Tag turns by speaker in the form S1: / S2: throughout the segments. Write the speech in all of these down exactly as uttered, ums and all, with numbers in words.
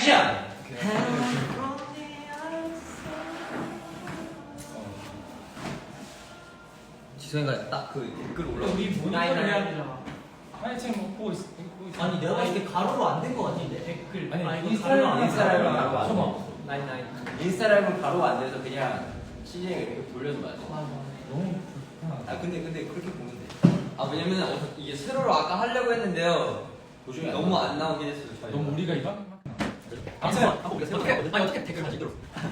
S1: 액션! 지성이가 딱 그 댓글 올라.
S2: 우리 모니터를 해야 되잖아.
S3: 아니 지금 뭐 보고 있어. 보고 있어.
S4: 아니 내가 봤을 때 가로로 안 된 거 같은데.
S2: 댓글.
S3: 아니,
S2: 인스타라이브
S1: 인스타라이브
S2: 안
S1: 가로 안
S2: 돼.
S1: 돼.
S2: 나인 나인.
S1: 인스타라이브 바로 안 돼서 그냥 시즌에 이렇게 돌려도 맞아.
S2: 맞아.
S3: 너무 불편하다.
S1: 아 근데 근데 그렇게 보면 돼. 아 왜냐면 어, 이게 세로로 아까 하려고 했는데요. 도중에 너무 안 나오긴 했어요. 저희가.
S3: 너무 우리가 이런?
S1: 아무튼 어떻게 아니 어떻게 댓글 다시 들어.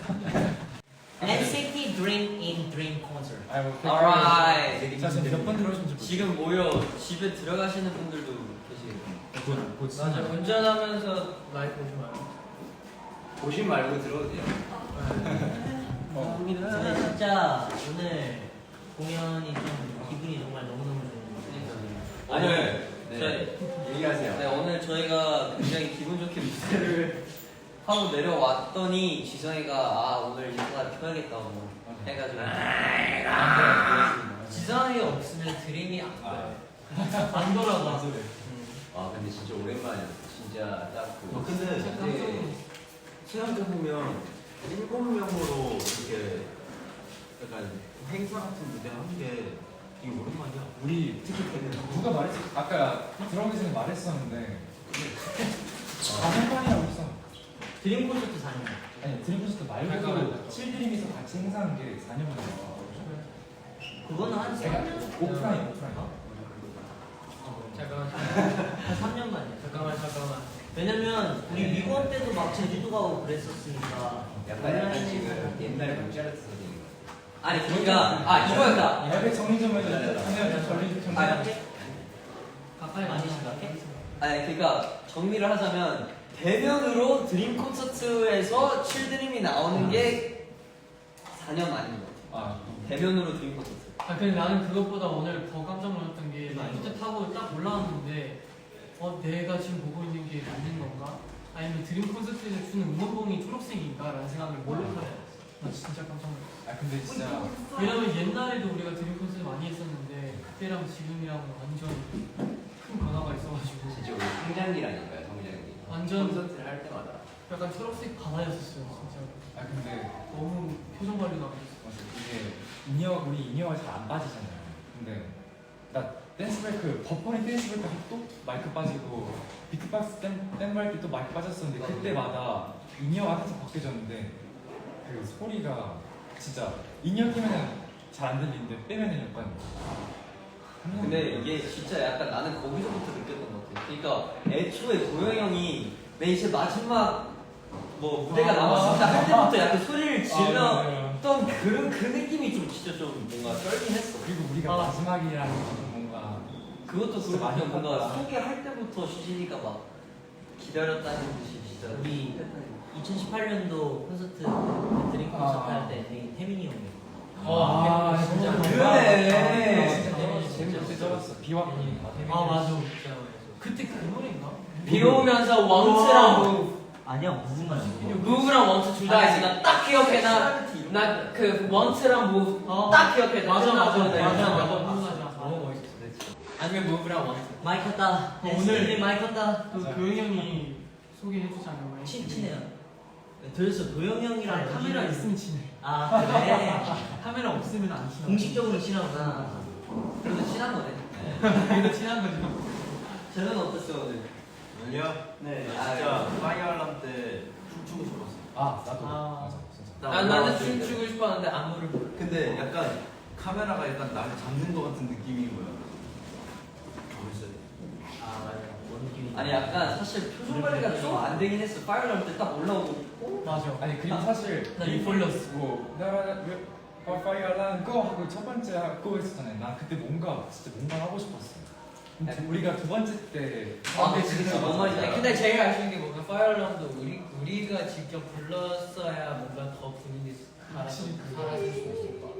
S4: 엔시티 Dream in Dream Concert.
S3: 아이고.
S1: Alright.
S3: 자 지금 몇번 들어오신지 모르겠어요.
S1: 지금 모여 집에 들어가시는 분들도 계시고.
S3: 곧, 곧
S2: 맞아.
S3: 진짜.
S2: 운전하면서 라이브 보지 마요.
S1: 보신 말고 들어도 돼요.
S3: 어.
S4: 저는 진짜 오늘 공연이 좀 기분이 정말 너무너무 좋은데.
S1: 오늘
S5: 네.
S1: 저희
S5: 얘기하세요.
S1: 네 오늘 저희가 굉장히 기분 좋게 무대를 하고 내려왔더니 지성이가 아 오늘 인사가 켜야겠다고 해가지고
S4: 지성이 없으면 드림이 안
S5: 아,
S2: 안 돌아가.
S5: 아 근데 진짜 오랜만이야. 진짜 딱 그.
S6: 어, 근데
S5: 이제 생각해보면 일곱 명으로 이렇게 약간 행사 같은 무대 한 게 되게 오랜만이야.
S3: 우리 특히 누가 말했지? 아까 들어오기 전에 말했었는데 사 년만이라고 했어.
S4: 드림 콘서트 사 년.
S3: 아니 드림 콘서트 말고도 칠드림에서 같이 행사한 게 사 년 만이야.
S4: 그거는 한
S3: 내가
S4: 삼 년.
S3: 오프라인 오프라인.
S2: 잠깐만.
S4: 한 삼 년 만이야.
S2: 잠깐만 잠깐만.
S4: 왜냐면 우리 미국 때도 막 제주도 가고 그랬었으니까.
S5: 약간 약간 지금 옛날 문자르트 선생님.
S1: 아니 그러니까 아 이거였다.
S3: 야, 정리 좀 해줘.
S5: 네, 네.
S3: 정리 정리 좀.
S1: 아,
S3: 해.
S4: 가까이 많이 생각해?
S1: 아니 그러니까 정리를 하자면 대면으로 드림 콘서트에서 칠드림이 나오는 게 사 년 만인 것 같아요.
S3: 아,
S1: 대면으로 드림 콘서트.
S2: 아 근데 나는 그것보다 오늘 더 깜짝 놀랐던 게 리프트 타고 딱 올라왔는데 어 내가 지금 보고 있는 게 맞는 건가? 아니면 드림 콘서트에서 주는 응원봉이 초록색인가? 라는 생각을 몰입하게 됐어. 나 진짜 깜짝 놀랐어.
S3: 아 근데 진짜
S2: 왜냐면 옛날에도 우리가 드림 콘서트 많이 했었는데 그때랑 지금이랑 완전 큰 변화가 있어가지고
S5: 진짜 우리 성장기라니까요, 성장기.
S2: 완전
S5: 콘서트를 할 때마다.
S2: 약간 초록색 바다였었어요 진짜.
S3: 아 근데
S2: 너무 표정 관리가 안 됐어.
S3: 맞아 이게 인이어 우리 인이어가 잘 안 빠지잖아요. 근데 나 댄스 브레이크 버퍼링 댄스 브레이크 하고 또 마이크 빠지고 비트박스 댄 댄 브레이크 또 마이크 빠졌었는데 그때마다 인이어가 살짝 바뀌어졌는데 그 소리가 진짜 인이어 끼면은 잘 안 들리는데 빼면은 약간
S1: 근데 이게 진짜 약간 나는 거기서부터 느꼈던 것 같아. 그러니까 애초에 도영 형이 맨 이제 마지막 뭐 무대가
S2: 아.
S1: 남았습니다 할 때부터 약간 소리를
S3: 아,
S1: 질렀던 그런 그 느낌이 좀 진짜 좀 뭔가 떨긴 했어.
S3: 그리고 우리가
S2: 아.
S3: 마지막이라는 게 좀 뭔가
S1: 그것도
S3: 진짜
S1: 그렇고
S3: 많이
S1: 뭔가
S3: 컸다.
S1: 소개할 때부터 시진이가 막 기다렸다는 듯이 진짜
S4: 우리 이천십팔 년도 콘서트 드림 콘서트
S3: 아.
S4: 할 때 태민이 형이.
S2: 아, 진짜.
S1: 그러네.
S3: 진짜
S4: 진짜
S3: 재밌게
S4: 재밌었어.
S3: 쩔었어. 비와킹.
S2: 아 맞아. 그때 그 노래인가?
S1: 비 오면서 원트랑 무
S4: 아니야 무슨 말이야?
S1: 무브랑 원트 둘 다 있어. 나딱 기억해. 나 그 원트랑 무딱 기억해.
S2: 맞아 맞아 맞아
S1: 네.
S2: 맞아 맞아.
S1: 너무 멋있었어. 진짜. 아니면 무브랑 원트.
S4: 마이크 컸다.
S2: 오늘-
S4: 오늘 마이크 컸다.
S2: 그 도영 형이 소개해주잖아요.
S4: 친 친해요. 들었어 도영 형이랑
S2: 아니, 카메라
S4: 여기는-
S2: 있으면 친해.
S4: 아 그래.
S2: 카메라 없으면 안 친해.
S4: 공식적으로 친하구나.
S1: 그래도 친한 거네.
S2: 그래도 친한 거죠.
S1: 저는 어땠어 오늘?
S5: 아니요.
S1: 네.
S5: 진짜 파이어 알람 때 춤추고 싶었어.
S3: 아 나도
S2: 아.
S3: 맞아 진짜.
S1: 난 나는 춤추고 싶었는데 안무를 몰라.
S5: 근데 약간 카메라가 약간 나를 잡는 것 같은 느낌인 거야. 재밌어요.
S4: 아 맞아. 뭔 느낌이?
S1: 아니 약간 사실 표정 관리가 좀 안 되긴 했어. 파이어 할 때 딱 올라오고 어?
S2: 맞아.
S3: 아니 그리고 사실
S2: 나 리폴러스.
S3: 뭐 나라 파이어란 고 하고 첫 번째 고 했었잖아요. 나 그때 뭔가 진짜 뭔가 하고 싶었어. 근데 우리가 두 번째 때
S1: 아 근데 진짜 뭔 말인지 알아.
S7: 근데 제일 아쉬운 게 뭔가 파이어람도 우리 우리가 직접 불렀어야 뭔가 더 분위기 살아서 살아질 수 있을 것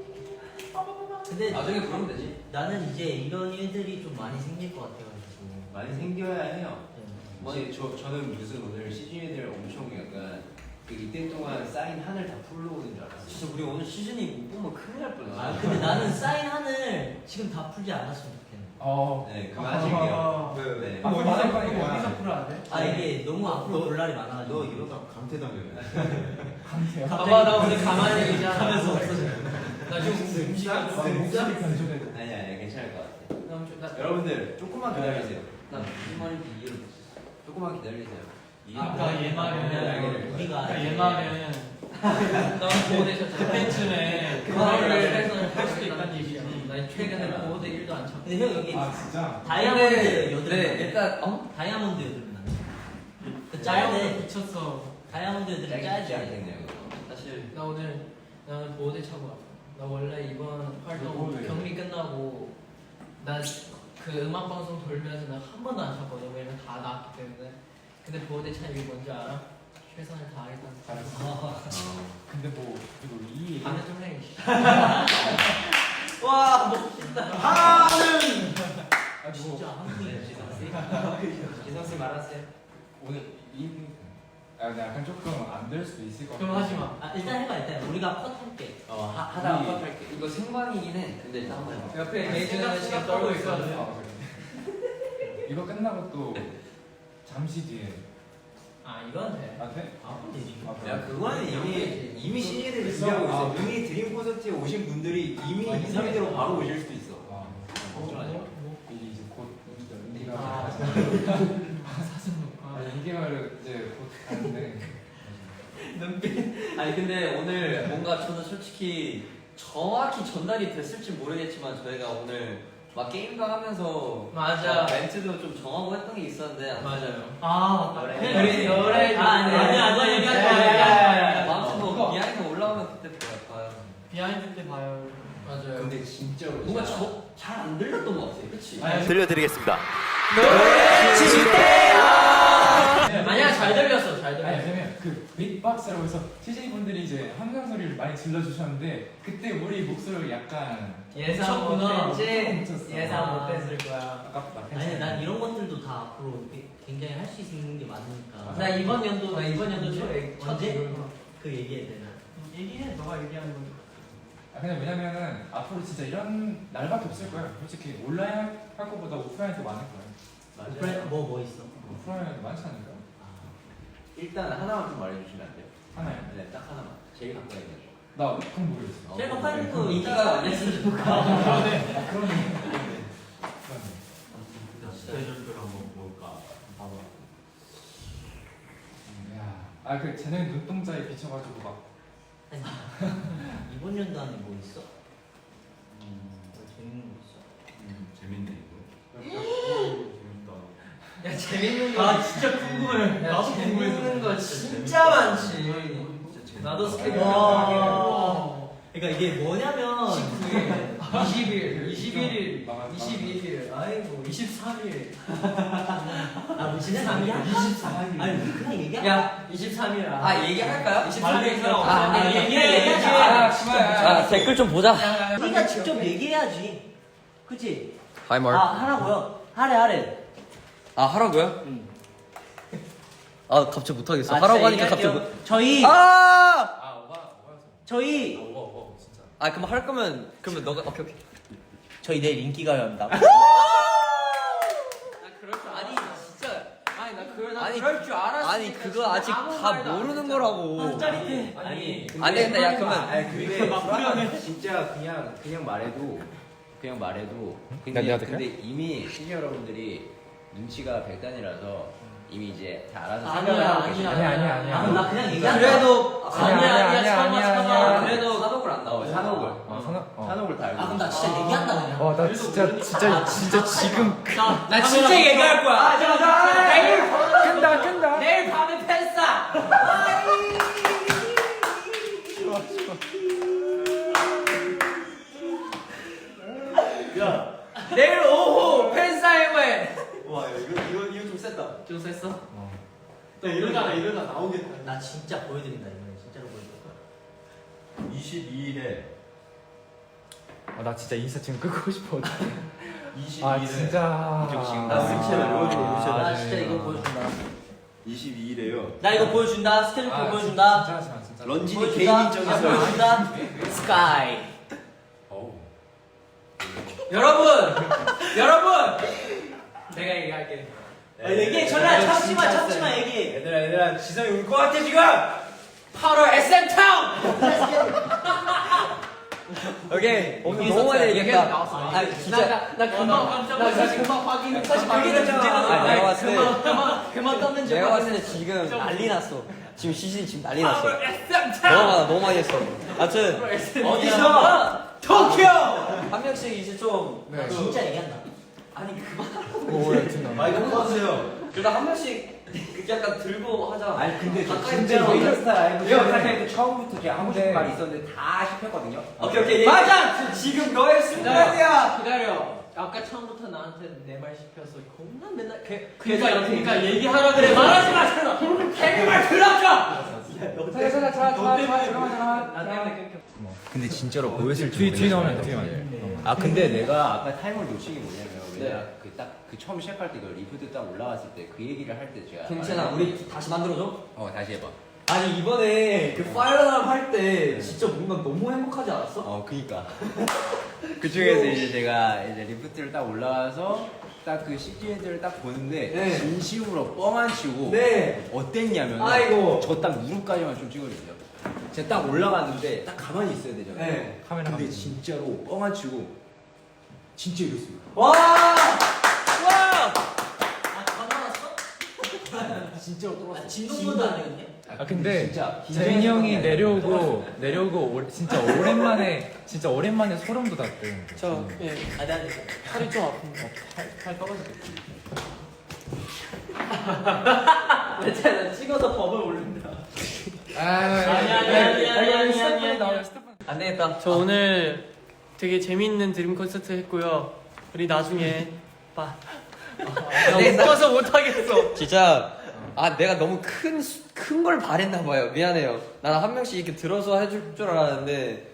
S7: 같아.
S4: 근데
S1: 나중에 부르면 되지.
S4: 나는 이제 이런 일들이 좀 많이 생길 것 같아가지고.
S5: 많이 생겨야 해요.
S4: 네.
S5: 이제 저 저는 무슨 오늘 시즌이들 엄청 약간 그 이때 동안 쌓인 한을 다 풀러 오는 줄 알았어요.
S1: 진짜 우리 오늘 시즌이 못 보면 큰일 날 뻔했어.
S4: 아 근데 나는 사인 한을 지금 다 풀지 않았으면 좋겠네.
S3: 어.
S5: 네, 그만 하실게요.
S1: 네.
S3: 아,
S2: 어디서
S3: 말할
S2: 이거
S3: 거니까.
S2: 어디서 풀어야 돼?
S4: 아 이게 너무 앞으로 볼 날이
S6: 너
S4: 많아가지고.
S6: 이러다 강퇴당해.
S3: 강태야.
S7: 봐봐 나 오늘 가만히 있잖아.
S4: 하면서 없어져.
S7: 나 지금 음식이
S3: 아, 목소리 변조되고.
S5: 아니 아니 괜찮을 것 같아.
S7: 너무 좋- 나-
S5: 여러분들 조금만 기다리세요.
S1: 나 무슨 말인지 이해를 못했어.
S5: 조금만 기다리세요.
S2: 아까 얘 말은
S4: 우리가
S2: 아까 얘 말은
S7: 너 보호대셨잖아.
S2: 그때쯤에
S7: 그거를
S2: 그거를 할 수도 있다는 얘기지.
S7: 나 최근에 보호대 일도 안 참고.
S4: 근데 형 이게
S3: 아 진짜?
S4: 다이아몬드
S1: 네,
S4: 여드름.
S1: 네,
S4: 나네.
S1: 일단 어?
S4: 다이아몬드 여드름 나네. 그
S2: 짜야
S4: 짜야
S2: 미쳤어.
S4: 다이아몬드 여드름
S5: 짧게
S4: 짜야지.
S5: 않겠네요.
S1: 사실
S7: 나 오늘 나는 보호대 차고 왔어. 나 원래 이번 활동
S3: 보호대.
S7: 격리 끝나고 나 그 음악 방송 돌면서 나 한 번도 안 찼거든. 왜냐면 다 나왔기 때문에. 근데 보호대 차 이게 뭔지 알아? 최선을 다하겠다는.
S3: 잘했어. 근데 뭐 이거 이 얘기
S7: 반대 좀 해.
S4: 와 멋있다.
S3: 아니 뭐
S4: 진짜 한국인 진짜.
S7: 기성 씨 말하세요.
S3: 오늘 이 아, 근데 약간 조금 안 될 수도 있을 것 같아.
S2: 그럼 하지 마.
S4: 아 일단 해봐 일단 우리가 컷할게.
S5: 어 하, 하다가
S3: 우리-
S5: 컷할게.
S1: 이거 생방이긴 해. 근데 일단 한번 해봐.
S7: 옆에
S2: 아니,
S7: 메이저는
S2: 생각-
S7: 지금
S2: 생각하고
S7: 떨고
S2: 있어야
S7: 있거든.
S2: 돼.
S3: 아, 그래. 이거 끝나고 또 잠시 뒤에
S7: 아 이건 돼.
S3: 아 돼?
S4: 아 되지.
S3: 아, 그래?
S5: 야 그거는 이미 이미 씨니들이
S3: 있어?
S5: 준비하고 있어.
S3: 아.
S5: 이미 드림 콘서트에 오신 분들이 이미
S3: 아,
S5: 이, 삼 일 뒤로 바로 오실 수도 있어.
S3: 아,
S5: 걱정하지 마.
S3: 이게 이제 곧 연기가
S2: 아,
S3: 아,
S2: 사진 녹화.
S3: 이 개월 이제 곧 가는데
S1: 아니 근데 오늘 뭔가 저는 솔직히 정확히 전달이 됐을지 모르겠지만 저희가 오늘 막 게임도 하면서
S7: 맞아.
S1: 막 멘트도 좀 정하고 했던 게 있었는데
S7: 맞아요.
S2: 아,
S1: 노래.
S2: 그래.
S7: 우리 노래
S4: 아 아니 아니 아니 얘기하지 마
S7: 야,
S4: 얘기하지 마.
S7: 야, 야.
S1: 아무튼 뭐 비하인드 올라오면 그때 봐요.
S2: 비하인드 때 봐요.
S7: 맞아요.
S5: 근데 진짜로
S1: 뭔가 잘 안 들렸던 것 같아. 그치?
S2: 아니,
S8: 들려드리겠습니다.
S7: 만약 잘 들렸어, 잘
S3: 아니
S7: 들렸어.
S3: 왜냐면 그 빅박스라고 해서 씨제이 분들이 이제 함성 소리를 많이 질러주셨는데 그때 우리 목소리를 약간
S7: 예상
S2: 미쳤구나.
S7: 못했지.
S3: 미쳤어.
S7: 예상 못했을 거야.
S3: 아깝다.
S4: 아니 난 이런 것들도 다 앞으로 이렇게 굉장히 할 수 있는 게 많으니까.
S7: 나 이번 연도 나 이번 연도 첫 첫
S4: 언제?
S7: 이거.
S4: 그 얘기해야 되나?
S2: 얘기해. 너가 얘기하는 거.
S3: 아 그냥 왜냐면은 앞으로 진짜 이런 날밖에 없을 거예요. 솔직히 온라인 할, 할 것보다 오프라인이 더 많을 거예요.
S4: 오프라인 뭐뭐 있어?
S3: 오프라인 많지 않을까?
S5: 일단 하나만 좀 말해주시면 안 돼요?
S3: 하나요?
S5: 네, 딱 하나만. 제일 가까이 있는 거.
S3: 나 그건 모르겠어.
S4: 제가
S5: 어,
S4: 파는
S5: 네.
S4: 거
S1: 인기가 많이
S4: 있으니까.
S3: 그러네. 아, 그러네. 그러네.
S6: 스페셜들 한번 볼까? 봐봐.
S3: 음, 야, 아 그 쟤네 눈동자에 비춰가지고 막
S4: 아니, 이번 연도 안에 뭐 있어?
S6: 음,
S4: 뭐 재밌는 거 있어?
S6: 음, 재밌네 이거. 재밌다.
S7: 야 재밌는 거.
S2: 아, 진짜 궁금해.
S7: 야,
S2: 나도
S7: 재밌는
S2: 궁금해서.
S7: 거 진짜 많지.
S6: 진짜 재밌다.
S7: 나도 스케줄
S4: 와.
S7: 하게.
S4: 그러니까 이게 뭐냐면
S7: 십구 일, 이십 일, 이십일 일,
S3: 나가-
S7: 이십이 일, 아이고 이십삼 일.
S4: 아 우리 진짜 얘기할까?
S7: 이십사 일.
S4: 아니 우리 그냥 얘기할까?
S7: 야 이십삼 일.
S1: 아 얘기할까요?
S7: 이십삼 일 사람
S1: 아,
S7: 없어.
S1: 아,
S4: 얘기해 얘기하자.
S1: 아,
S2: 씨발.
S1: 아 댓글 좀 보자.
S4: 우리가 직접 얘기해야지. 그치?
S1: 하이 말.
S4: 아 하라고요? 하래 하래.
S1: 아 하라고요?
S4: 응.
S1: 아 갑자기 못하겠어.
S4: 아,
S1: 하라고
S4: 진짜
S1: 하니까 갑자기
S4: 얘기할게요.
S1: 못.
S4: 저희
S1: 아!
S3: 아 오바 오바였어.
S4: 저희
S3: 오바 오바 진짜.
S1: 아 그럼 할 거면 그러면 너가 오케이 오케이.
S4: 저희 내일 인기가요입니다.
S1: 나 그럴 줄 아니 진짜 아니 나 그걸 아니
S7: 그럴 줄 알았으니까
S1: 아니 그거 아직
S7: 아무
S1: 다
S7: 말도 안
S1: 모르는
S7: 했잖아.
S1: 거라고.
S4: 짜릿해.
S5: 아니,
S1: 안 되겠다. 야 그러면
S5: 아니 근데 불안해. 진짜 그냥 그냥 말해도 그냥 말해도 근데,
S3: 내가 될까요?
S5: 근데 이미 시니어 여러분들이 눈치가 백단이라서 이미 이제 다 알아서
S4: 아니야,
S5: 생각을 하고
S4: 아니야,
S5: 계시죠.
S3: 아니야, 아니야, 아니야.
S4: 아, 나 그냥 얘기한다.
S1: 그래도
S3: 아니야, 아니야, 아니야, 아니야, 아니야.
S1: 그래도 산옥을 안
S5: 어,
S1: 나와.
S5: 산옥을
S3: 어 산업. 어.
S5: 산옥을 다 알고
S4: 아 그럼 나 진짜 얘기한다 그냥.
S3: 어, 나 진짜 진짜 진짜 지금
S2: 자,
S7: 나 진짜 얘기할 거야.
S4: 아 잠깐 잠깐.
S7: 내일
S3: 끈다 끈다.
S7: 내일 밤에 팬싸.
S4: 야.
S7: 내일 오후 팬싸회회.
S1: 와 이거 이거 이거 좀 셌다.
S7: 좀 셌어?
S2: 또 이러다가 이러다 나오겠다.
S4: 나 진짜 보여드린다 이번에 진짜로 보여줄 거야.
S6: 이십이 일에
S3: 아, 나 진짜 인스타 지금 끄고 싶어.
S6: 이십이
S3: 아
S6: 일에
S3: 진짜.
S5: 이쪽 지금
S1: 나 스케줄 이루어지고
S3: 아,
S4: 나
S3: 네.
S4: 진짜 이거 보여준다.
S6: 이십이 일에요.
S4: 나 이거 보여준다. 스케줄표
S3: 아,
S4: 보여준다.
S3: 진짜 진짜 진짜.
S5: 런쥔이
S4: 보여준다.
S5: 개인
S4: 아,
S5: 입장에서
S4: 보여준다. 스카이.
S6: 어우.
S7: 여러분 여러분 내가 얘기할게.
S4: 아, 얘기해 전화 참지마 참지마 얘기해.
S5: 얘들아 얘들아 지성이 울 것 같아 지금.
S7: 팔월 에스엠 타운.
S1: 오케이 오늘
S7: 얘기했었어요.
S1: 너무 많이 얘기했다.
S7: 얘기해서 나왔어.
S1: 아 진짜
S2: 나 금방 깜짝 놀랐어.
S7: 사실 금방 확인. 사실
S1: 그게
S7: 그게
S1: 더
S7: 더
S1: 문제가
S7: 문제가
S1: 아, 내가 봤을 때
S7: 그만 그만 그만 떴는 줄
S1: 내가 봤을 때 지금 난리 났어. 지금 시즌 지금 난리 났어.
S7: 팔월 에스엠
S1: 너무
S7: 타운.
S1: 많아 너무 많이 했어. 아무튼
S7: 어디서?
S1: 도쿄 한 명씩 이제 좀
S3: 네.
S4: 진짜 얘기한다.
S1: 아니 그만.
S6: 마이크 꺼주세요.
S1: 그러다 한 명씩 약간 들고 하자.
S5: 아니 근데 저
S1: 가까이
S5: 진짜
S1: 들고
S5: 메이저스타 라이브
S1: 이거
S5: 시작할 때 처음부터 제가 하고 싶은
S3: 네.
S5: 말이 있었는데 다 씹혔거든요.
S1: 오케이 오케이. 맞아. 지금 너의 순간이야.
S7: 기다려. 아까 처음부터 나한테 내 말 씹혀서 겁나 맨날 그
S2: 그러니까 그러니까 얘기하라 그래. 말하지 마잖아.
S7: 걔네 말 들었까?
S3: 자, 자, 자, 자, 자, 잠깐만, 잠깐만.
S7: 나 때문에 끊겨.
S5: 근데 진짜로 보였을지
S3: 뒤, 뒤 나오면
S5: 모르겠어요.
S3: 뒤에 나오면.
S5: 아 근데 내가 아까 타이머를 놓친 게 뭐냐면
S1: 네.
S5: 왜냐 그딱 그 처음 시작할 때 그 리프트 딱 올라왔을 때 그 얘기를 할 때 제가
S1: 괜찮아. 우리 다시 만들어줘.
S5: 어 다시 해봐.
S1: 아니 이번에 그 파이어람 할 때 진짜 뭔가 너무 행복하지 않았어?
S5: 어 그니까 그 중에서 이제 제가 이제 리프트를 딱 올라와서 딱 그 씨지애들을 딱 보는데
S1: 네.
S5: 진심으로 뻥 안 치고
S1: 네.
S5: 어땠냐면
S1: 아이고.
S5: 저 딱 무릎까지만 좀 찍어주세요. 제가 딱 올라갔는데 딱 가만히 있어야 되잖아요.
S1: 네.
S3: 카메라
S5: 근데
S3: 한번.
S5: 진짜로 뻥 안 치고 진짜 이랬습니다.
S1: 와. 와.
S4: 아 전화 왔어?
S5: 진짜로 떨었어.
S4: 아, 진동보도 아니었냐?
S3: 아 근데
S5: 진짜
S3: 재민이 형이 내려오고 내려오고 오, 진짜 오랜만에 진짜 오랜만에 소름 돋았대.
S2: 저 예.
S4: 아 내가
S2: 팔이 좀 아픈데.
S3: 팔 떨어지겠지.
S4: 괜찮아 찍어서 법을 올린다.
S3: 아,
S2: 아니, 아니, 아니, 아니, 아니, 아니,
S3: 스태프분이
S2: 아니.
S3: 나와요, 스태프분.
S1: 안 되겠다.
S2: 저 오늘 되게 재미있는 드림 콘서트 했고요. 우리 나중에 봐. 나 웃겨서 못하겠어.
S1: 진짜 아 내가 너무 큰 큰 걸 바랬나 봐요. 미안해요. 난 한 명씩 이렇게 들어서 해줄 줄 알았는데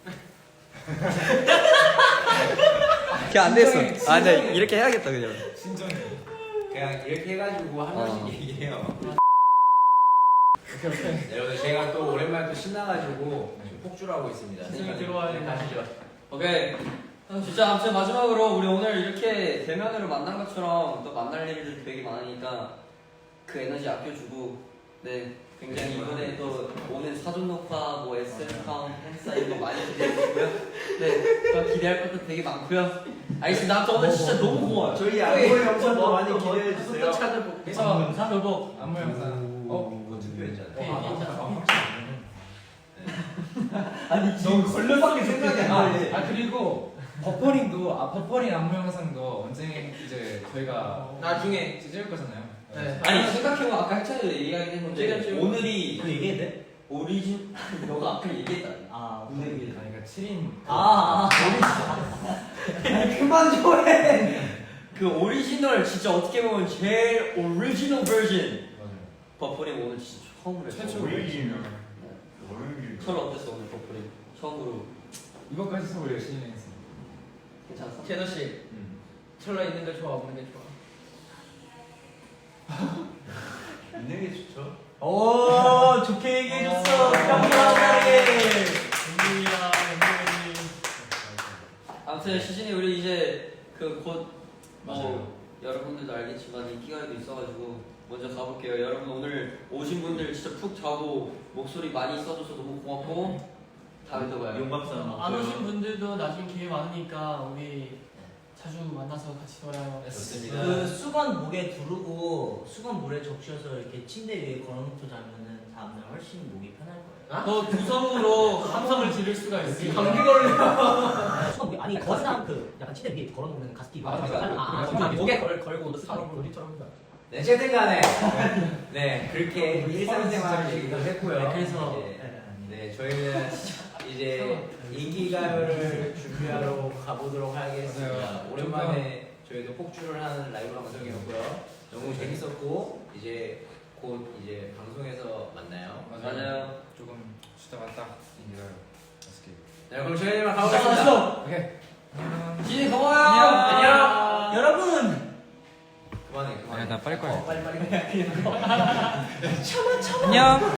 S1: 그게 안 됐어.
S3: 진정해,
S1: 아 근데
S3: 진정해.
S1: 이렇게 해야겠다 그냥.
S3: 진정해.
S5: 그냥 이렇게 해가지고 한
S1: 어.
S5: 명씩 얘기해요.
S3: 오케이, 오케이.
S5: 여러분 제가 또 오랜만에 또 신나가지고 지금 폭주를 하고 있습니다.
S2: 지금 들어와야
S5: 네,
S2: 돼.
S5: 가시죠.
S1: 오케이. 진짜 아무튼 마지막으로 우리 오늘 이렇게 대면으로 만난 것처럼 또 만날 일들 되게 많으니까 그 에너지 아껴주고 네 굉장히 이번에 또 오는 사전 녹화 뭐 에스엠카운 행사 이거 많이 기대해주고요. 네또 기대할 것도 되게 많고요. 알겠습니다. 아무튼 오늘 진짜 너무 고마워요.
S6: 저희 안무 영상도 많이 기대해 주세요.
S2: 그래서 교복
S3: 안무 영상. 어?
S5: 그거 투표했잖아요.
S2: 네, 괜찮아.
S1: 아니 지금 걸려밖에 생각이 안
S3: 아,
S1: 나네.
S3: 아 그리고 버퍼링도 아 버퍼링 안무 영상도 언제 이제 저희가
S7: 나중에
S3: 찍을 거잖아요.
S2: 네.
S1: 아니 생각해보면 아까 해찬이도 얘기하긴 했는데
S2: 찍었죠.
S1: 오늘이
S4: 그 얘기했대?
S1: 오리진 너가 아까 얘기했다.
S4: 아
S1: 오늘
S3: 아니 그러니까 칠 인
S4: 아, 아.
S1: 그만 좀 해. 그 오리지널 진짜 어떻게 보면 제일 오리지널 버전.
S3: 맞아요.
S1: 버퍼링 오늘 진짜 처음으로 했어.
S3: 최초
S6: 오리지널.
S1: 철 어땠어 오늘 버퍼링? 처음으로
S3: 이것까지 서울 열심히 했어.
S1: 괜찮았어?
S7: 제노 씨,
S3: 음.
S7: 철러 있는 게 좋아, 없는 게 좋아.
S6: 있는 게 좋죠.
S4: 오 좋게 얘기해줬어. 감사합니다.
S2: 웬일이야, 웬일이.
S1: 아무튼 시즌이 우리 이제 그 곧
S3: 맞아요.
S1: 뭐 여러분들도 알겠지만 인기가요도 있어가지고 먼저 가볼게요. 여러분 오늘 오신 분들 진짜 푹 자고 목소리 많이 써줘서 너무 고맙고 다음에 또 봐요.
S6: 용감사.
S2: 안 오신 분들도 나중에 기회 많으니까 우리 자주 만나서 같이 놀아요.
S1: 좋습니다.
S4: 그 수건 목에 두르고 수건 물에 적셔서 이렇게 침대 위에 걸어놓고 자면은 다음날 훨씬 목이 편할 거예요.
S2: 너 두성으로 함성을 지를 수가 있어.
S7: 감기 걸려.
S4: 수건 목에 아니 거기다 그 약간 침대 위에 걸어놓는 가습기.
S3: 아, 맞아.
S4: 아, 아,
S3: 그래,
S4: 아,
S7: 목에 걸, 걸고 사람 우리처럼.
S5: 네, 어쨌든 간에 네 그렇게
S3: 우리
S5: 일상생활을
S3: 진짜
S5: 얘기도 했고요.
S4: 네, 그래서
S5: 이제, 네 저희는 이제 인기가요를 준비하러 가보도록 하겠습니다.
S3: 맞아요.
S5: 오랜만에 저희도 폭주를 하는 라이브 방송이었고요. 너무 재밌었고 이제 곧 이제 방송에서 만나요.
S1: 맞아요.
S3: 조금 쉬다 갔다 인기가요. 맛있게.
S5: 네, 그럼 저희만 가보겠습니다.
S3: 오케이. 안녕.
S1: 시즌 고마워요.
S5: 안녕.
S4: 여러분.
S5: 그만해, 그만해.
S3: 나 빨리 꺼야
S4: 어, 빨리 빨리.
S3: 안녕.